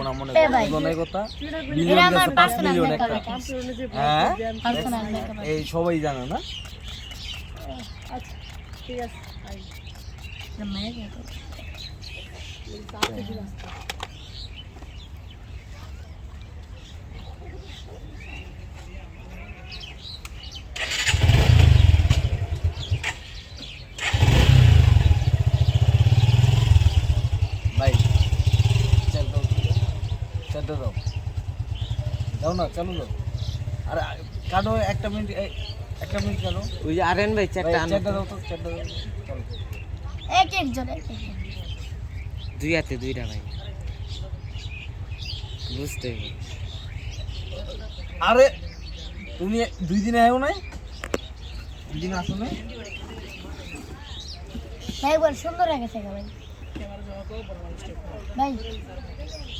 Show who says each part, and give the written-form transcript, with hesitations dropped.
Speaker 1: না মনে করো কথা মিলিয়ন গেছে 5 মিলিয়ন একটা হ্যাঁ এই সবাই জানে না
Speaker 2: আচ্ছা ঠিক আছে
Speaker 1: ভাই চল দাও দাও না চলো দাও আরে কাটো একটা মিনিট কাটো
Speaker 3: ওই যে আরেন ভাই চারটা আনো
Speaker 1: দাও তো চারটা দাও চলো
Speaker 4: এক জন
Speaker 3: দুই হাতে দুইটা ভাই বুঝতে
Speaker 1: আরে তুমি 2 দিন আয়ো নাই 2 দিন আসো নাই
Speaker 4: ভাই বল সুন্দর লাগে ভাই ভাই